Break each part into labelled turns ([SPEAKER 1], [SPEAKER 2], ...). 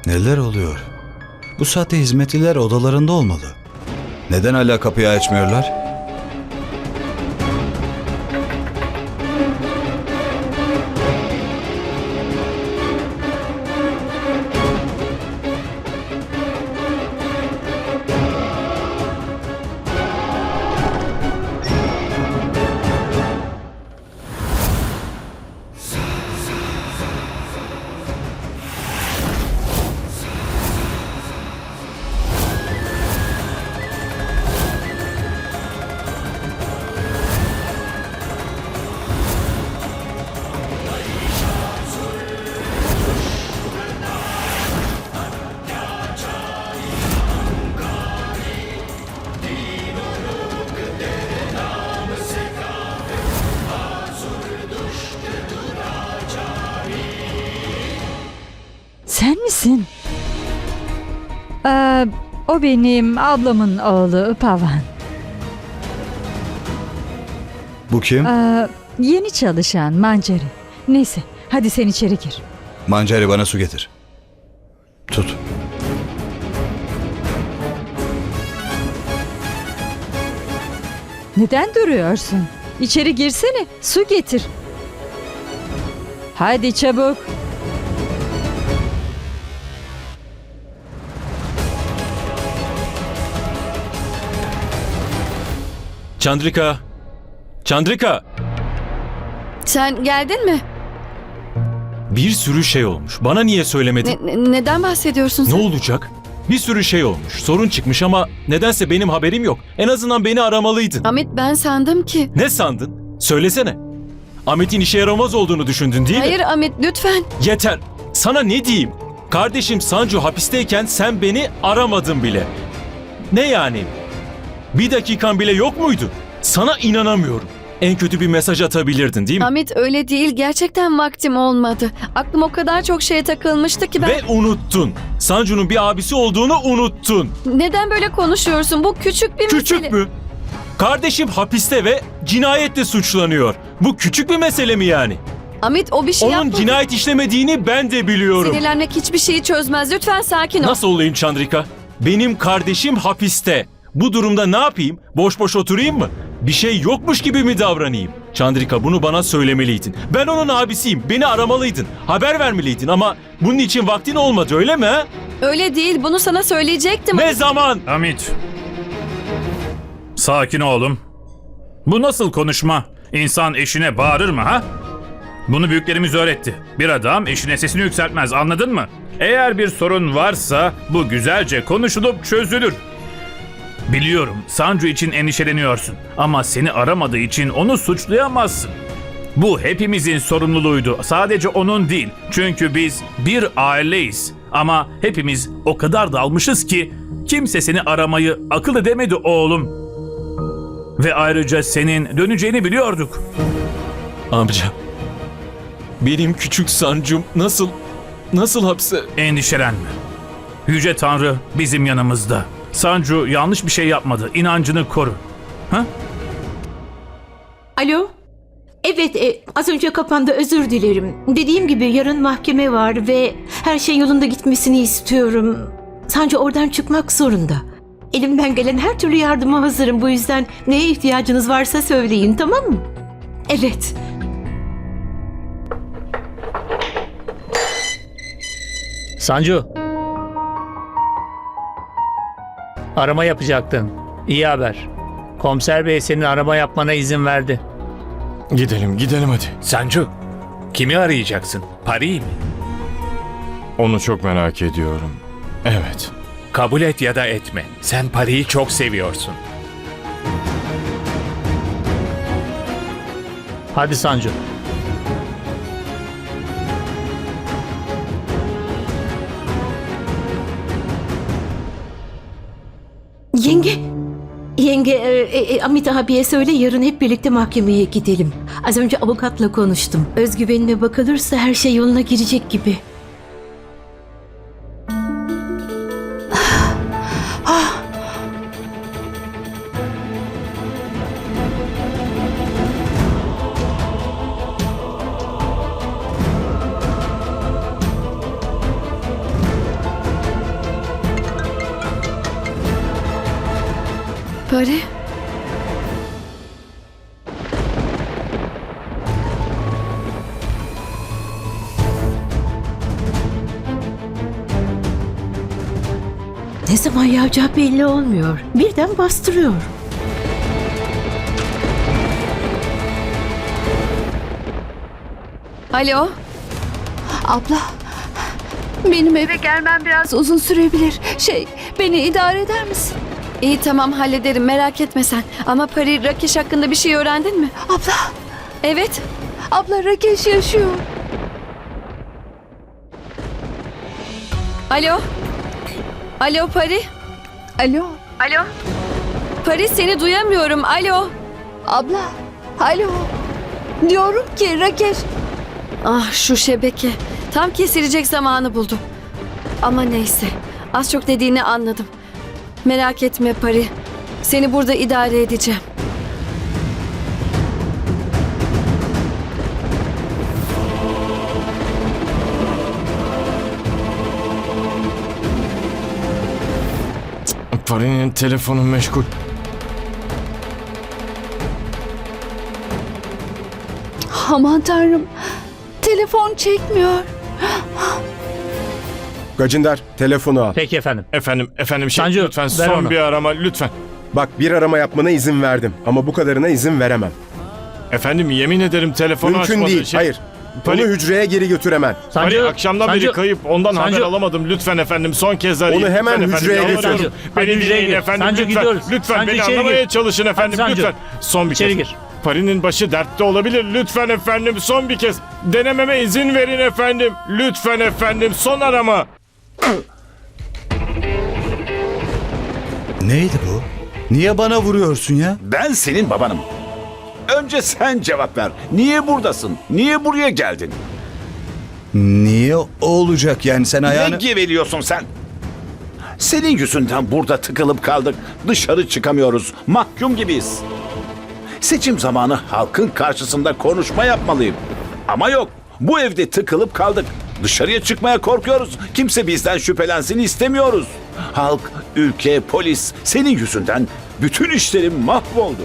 [SPEAKER 1] Neler oluyor? Bu saatte hizmetliler odalarında olmalı. Neden hala kapıyı açmıyorlar?
[SPEAKER 2] Sen misin? O benim ablamın oğlu Pavan.
[SPEAKER 1] Bu kim?
[SPEAKER 2] Yeni çalışan Mancari. Neyse hadi sen içeri gir.
[SPEAKER 1] Mancari, bana su getir. Tut.
[SPEAKER 2] Neden duruyorsun? İçeri girsene, su getir. Hadi çabuk.
[SPEAKER 3] Chandrika! Chandrika!
[SPEAKER 4] Sen geldin mi?
[SPEAKER 3] Bir sürü şey olmuş. Bana niye söylemedin?
[SPEAKER 4] Neden bahsediyorsun
[SPEAKER 3] Ne
[SPEAKER 4] sen?
[SPEAKER 3] olacak? Bir sürü şey olmuş. Sorun çıkmış ama nedense benim haberim yok. En azından beni aramalıydın.
[SPEAKER 4] Amit, ben sandım ki...
[SPEAKER 3] Ne sandın? Söylesene. Ahmet'in işe yaramaz olduğunu düşündün değil mi?
[SPEAKER 4] Hayır Amit, lütfen.
[SPEAKER 3] Yeter. Sana ne diyeyim? Kardeşim Sancu hapisteyken sen beni aramadın bile. Ne yani? Bir dakikan bile yok muydu? Sana inanamıyorum. En kötü bir mesaj atabilirdin değil mi?
[SPEAKER 4] Amit, öyle değil. Gerçekten vaktim olmadı. Aklım o kadar çok şeye takılmıştı ki ben...
[SPEAKER 3] Ve unuttun. Sancu'nun bir abisi olduğunu unuttun.
[SPEAKER 4] Neden böyle konuşuyorsun? Bu küçük bir mesele.
[SPEAKER 3] Küçük mü? Kardeşim hapiste ve cinayetle suçlanıyor. Bu küçük bir mesele mi yani?
[SPEAKER 4] Amit, o bir şey
[SPEAKER 3] Onun
[SPEAKER 4] yapmadı.
[SPEAKER 3] cinayet işlemediğini ben de biliyorum.
[SPEAKER 4] Sinirlenmek hiçbir şeyi çözmez. Lütfen sakin ol.
[SPEAKER 3] Nasıl olayım Chandrika? Benim kardeşim hapiste. Bu durumda ne yapayım? Boş boş oturayım mı? Bir şey yokmuş gibi mi davranayım? Chandrika, bunu bana söylemeliydin. Ben onun abisiyim. Beni aramalıydın. Haber vermeliydin ama bunun için vaktin olmadı, öyle mi? Ha?
[SPEAKER 4] Öyle değil. Bunu sana söyleyecektim.
[SPEAKER 3] Ne zaman?
[SPEAKER 5] Amit. Sakin oğlum. Bu nasıl konuşma? İnsan eşine bağırır mı ha? Bunu büyüklerimiz öğretti. Bir adam eşine sesini yükseltmez, anladın mı? Eğer bir sorun varsa bu güzelce konuşulup çözülür. Biliyorum Sancu için endişeleniyorsun ama seni aramadığı için onu suçlayamazsın. Bu hepimizin sorumluluğuydu. Sadece onun değil. Çünkü biz bir aileyiz. Ama hepimiz o kadar dalmışız ki kimse seni aramayı akıl edemedi oğlum. Ve ayrıca senin döneceğini biliyorduk.
[SPEAKER 3] Amca, benim küçük Sancum nasıl hapse...
[SPEAKER 5] Endişelenme. Yüce Tanrı bizim yanımızda. Sancu yanlış bir şey yapmadı. İnancını koru. Ha?
[SPEAKER 6] Alo? Evet, az önce kapandı, özür dilerim. Dediğim gibi yarın mahkeme var ve her şey yolunda gitmesini istiyorum. Sancı oradan çıkmak zorunda. Elimden gelen her türlü yardıma hazırım. Bu yüzden neye ihtiyacınız varsa söyleyin, tamam mı? Evet.
[SPEAKER 7] Sancu. Arama yapacaktın. İyi haber. Komiser bey senin arama yapmana izin verdi.
[SPEAKER 8] Gidelim hadi.
[SPEAKER 9] Sancu, kimi arayacaksın? Pari'yi mi?
[SPEAKER 8] Onu çok merak ediyorum. Evet.
[SPEAKER 9] Kabul et ya da etme. Sen Pari'yi çok seviyorsun.
[SPEAKER 7] Hadi Sancu.
[SPEAKER 6] Yenge, Amit abiye söyle yarın hep birlikte mahkemeye gidelim. Az önce avukatla konuştum. Özgüvenine bakılırsa her şey yoluna girecek gibi.
[SPEAKER 4] Pari?
[SPEAKER 6] Ne zaman yağacağı belli olmuyor. Birden bastırıyor.
[SPEAKER 4] Alo?
[SPEAKER 10] Abla, benim eve gelmem biraz uzun sürebilir. Beni idare eder misin?
[SPEAKER 4] İyi tamam hallederim merak etme sen. Ama Pari Rakesh hakkında bir şey öğrendin mi?
[SPEAKER 10] Abla,
[SPEAKER 4] Evet.
[SPEAKER 10] abla Rakesh yaşıyor.
[SPEAKER 4] Alo? Alo Pari?
[SPEAKER 10] Alo,
[SPEAKER 4] Alo? Pari seni duyamıyorum. Alo?
[SPEAKER 10] abla, alo. Diyorum ki Rakesh,
[SPEAKER 4] Ah şu şebeke. Tam kesilecek zamanı buldu. Ama neyse. Az çok dediğini anladım. Merak etme Pari. Seni burada idare edeceğim.
[SPEAKER 8] Pari'nin telefonu meşgul.
[SPEAKER 10] aman tanrım, telefon çekmiyor.
[SPEAKER 11] Gacinder, telefonu al.
[SPEAKER 7] Peki efendim.
[SPEAKER 8] Efendim
[SPEAKER 7] Sancu,
[SPEAKER 8] lütfen
[SPEAKER 7] ver
[SPEAKER 8] son
[SPEAKER 7] onu.
[SPEAKER 8] bir arama lütfen.
[SPEAKER 11] Bak, bir arama yapmana izin verdim ama bu kadarına izin veremem.
[SPEAKER 8] Efendim yemin ederim telefonu
[SPEAKER 11] Mümkün
[SPEAKER 8] açmadı.
[SPEAKER 11] değil, hayır.
[SPEAKER 8] Pari-
[SPEAKER 11] Onu hücreye geri götüremem.
[SPEAKER 8] Pari akşamdan beri kayıp, ondan
[SPEAKER 7] Sancu.
[SPEAKER 8] haber alamadım. Lütfen efendim son kez arayın.
[SPEAKER 11] Onu hemen
[SPEAKER 8] Lütfen
[SPEAKER 11] hücreye
[SPEAKER 8] efendim,
[SPEAKER 11] götür.
[SPEAKER 8] yalvarıyorum.
[SPEAKER 7] Hadi
[SPEAKER 8] Beni
[SPEAKER 7] hücreye
[SPEAKER 8] dinleyin
[SPEAKER 7] gir.
[SPEAKER 8] efendim
[SPEAKER 7] Sancu,
[SPEAKER 8] lütfen.
[SPEAKER 7] gidiyoruz.
[SPEAKER 8] Lütfen
[SPEAKER 7] Sancu,
[SPEAKER 8] beni
[SPEAKER 7] içeri
[SPEAKER 8] anlamaya
[SPEAKER 7] gir.
[SPEAKER 8] çalışın efendim
[SPEAKER 7] Hadi Sancu.
[SPEAKER 8] lütfen. Son bir
[SPEAKER 7] İçeri
[SPEAKER 8] kez.
[SPEAKER 7] gir.
[SPEAKER 8] Pari'nin başı dertte olabilir. Lütfen efendim son bir kez. Denememe izin verin efendim. Lütfen efendim son arama.
[SPEAKER 1] Neydi bu? Niye bana vuruyorsun ya?
[SPEAKER 12] Ben senin babanım. Önce sen cevap ver. Niye buradasın? Niye buraya geldin?
[SPEAKER 1] Niye olacak yani sen
[SPEAKER 12] Ne
[SPEAKER 1] ayağını...
[SPEAKER 12] geveliyorsun sen? Senin yüzünden burada tıkılıp kaldık. Dışarı çıkamıyoruz. Mahkum gibiyiz. Seçim zamanı halkın karşısında konuşma yapmalıyım. Ama yok. Bu evde tıkılıp kaldık. Dışarıya çıkmaya korkuyoruz. Kimse bizden şüphelensin istemiyoruz. Halk, ülke, polis senin yüzünden bütün işlerim mahvoldu.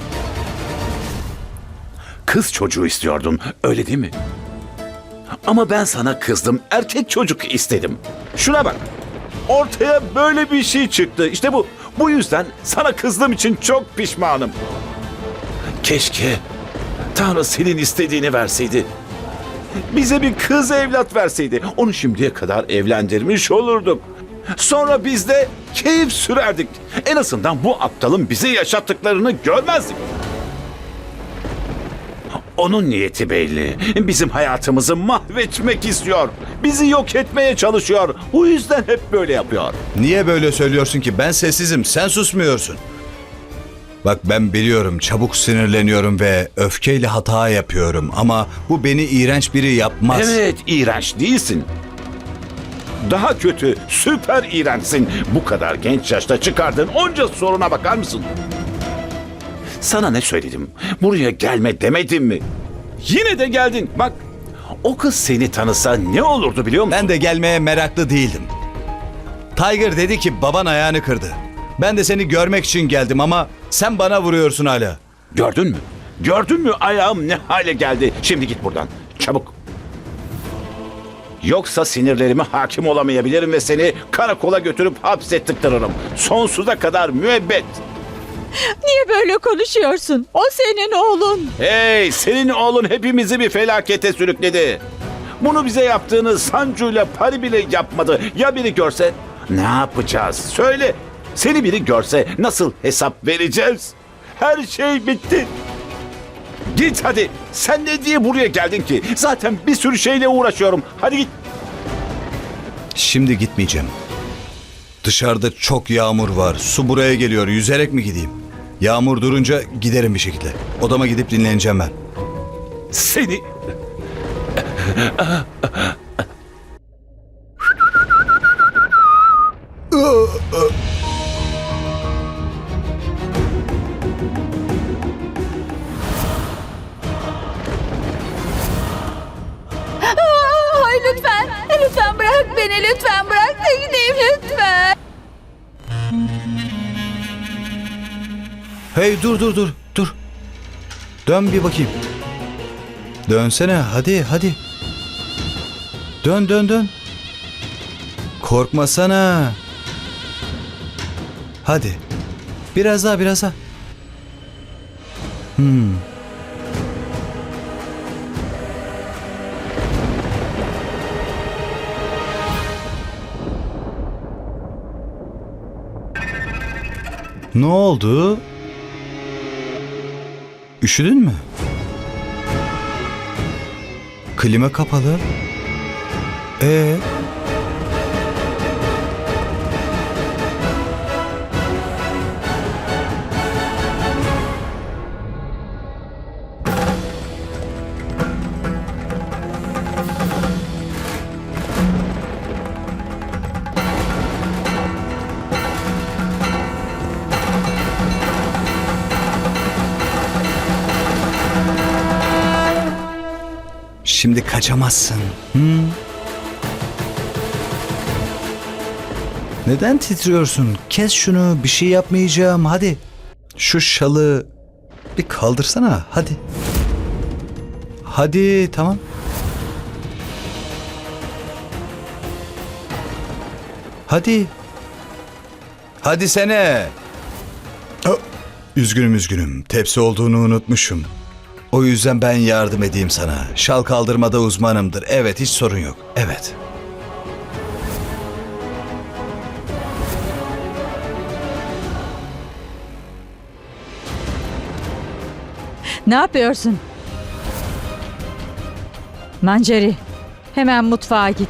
[SPEAKER 12] Kız çocuğu istiyordun, öyle değil mi? Ama ben sana kızdım, erkek çocuk istedim. Şuna bak, ortaya böyle bir şey çıktı. İşte bu. Bu yüzden sana kızdığım için çok pişmanım. Keşke Tanrı senin istediğini verseydi. Bize bir kız evlat verseydi. Onu şimdiye kadar evlendirmiş olurduk. Sonra biz de keyif sürerdik. En azından bu aptalın bize yaşattıklarını görmezdik. Onun niyeti belli. Bizim hayatımızı mahvetmek istiyor. Bizi yok etmeye çalışıyor. Bu yüzden hep böyle yapıyor.
[SPEAKER 1] Niye böyle söylüyorsun ki? Ben sessizim, sen susmuyorsun. Bak ben biliyorum, çabuk sinirleniyorum ve öfkeyle hata yapıyorum ama bu beni iğrenç biri yapmaz.
[SPEAKER 12] Evet, iğrenç değilsin. Daha kötü, süper iğrençsin. Bu kadar genç yaşta çıkardığın onca soruna bakar mısın? Sana ne söyledim? Buraya gelme demedim mi? Yine de geldin. Bak, o kız seni tanısa ne olurdu biliyor musun?
[SPEAKER 1] Ben de gelmeye meraklı değildim. Tiger dedi ki baban ayağını kırdı. Ben de seni görmek için geldim ama sen bana vuruyorsun hala.
[SPEAKER 12] Gördün mü? Gördün mü ayağım ne hale geldi? Şimdi git buradan. Çabuk. Yoksa sinirlerime hakim olamayabilirim ve seni karakola götürüp hapse tıktırırım. Sonsuza kadar müebbet.
[SPEAKER 2] Niye böyle konuşuyorsun? O senin oğlun.
[SPEAKER 12] Hey, senin oğlun hepimizi bir felakete sürükledi. Bunu bize yaptığını Sancu'yla Pari bile yapmadı. Ya biri görse ne yapacağız? Söyle. Seni biri görse nasıl hesap vereceğiz? Her şey bitti. Git hadi. Sen ne diye buraya geldin ki? Zaten bir sürü şeyle uğraşıyorum. Hadi git.
[SPEAKER 1] Şimdi gitmeyeceğim. Dışarıda çok yağmur var. Su buraya geliyor. Yüzerek mi gideyim? Yağmur durunca giderim bir şekilde. Odama gidip dinleneceğim ben.
[SPEAKER 12] Seni...
[SPEAKER 10] Hayır lütfen, lütfen bırak beni, lütfen bırak da gideyim lütfen.
[SPEAKER 1] Hey dur. Dön bir bakayım. Dönsene hadi. Dön. Korkmasana. Hadi. Biraz daha. Ne oldu? Üşüdün mü? Klima kapalı. Şimdi kaçamazsın. Neden titriyorsun? Kes şunu. Bir şey yapmayacağım. Hadi. Şu şalı bir kaldırsana. Hadi tamam. Hadi sene. Üzgünüm. Tepsi olduğunu unutmuşum. O yüzden ben yardım edeyim sana. Şal kaldırmada uzmanımdır. Evet, hiç sorun yok. Evet.
[SPEAKER 2] Ne yapıyorsun? Manceri, hemen mutfağa git.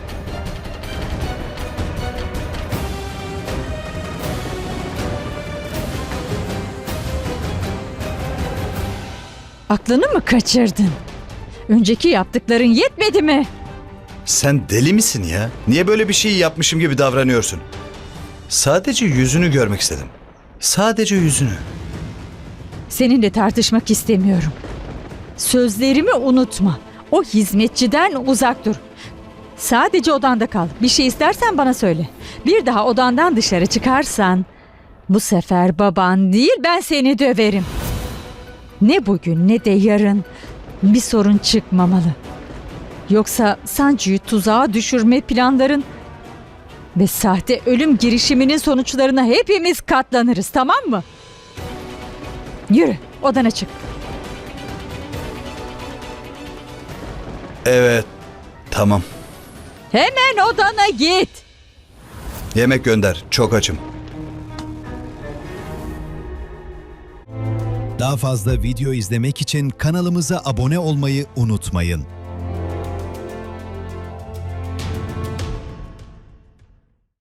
[SPEAKER 2] Aklını mı kaçırdın? Önceki yaptıkların yetmedi mi?
[SPEAKER 1] Sen deli misin ya? Niye böyle bir şey yapmışım gibi davranıyorsun? Sadece yüzünü görmek istedim. Sadece yüzünü.
[SPEAKER 2] Seninle tartışmak istemiyorum. Sözlerimi unutma. O hizmetçiden uzak dur. Sadece odanda kal. Bir şey istersen bana söyle. Bir daha odandan dışarı çıkarsan bu sefer baban değil ben seni döverim. Ne bugün ne de yarın bir sorun çıkmamalı. Yoksa Sancu'yu tuzağa düşürme planların ve sahte ölüm girişiminin sonuçlarına hepimiz katlanırız, tamam mı? Yürü, odana çık.
[SPEAKER 1] Evet, tamam.
[SPEAKER 2] Hemen odana git.
[SPEAKER 1] Yemek gönder, çok açım.
[SPEAKER 13] Daha fazla video izlemek için kanalımıza abone olmayı unutmayın.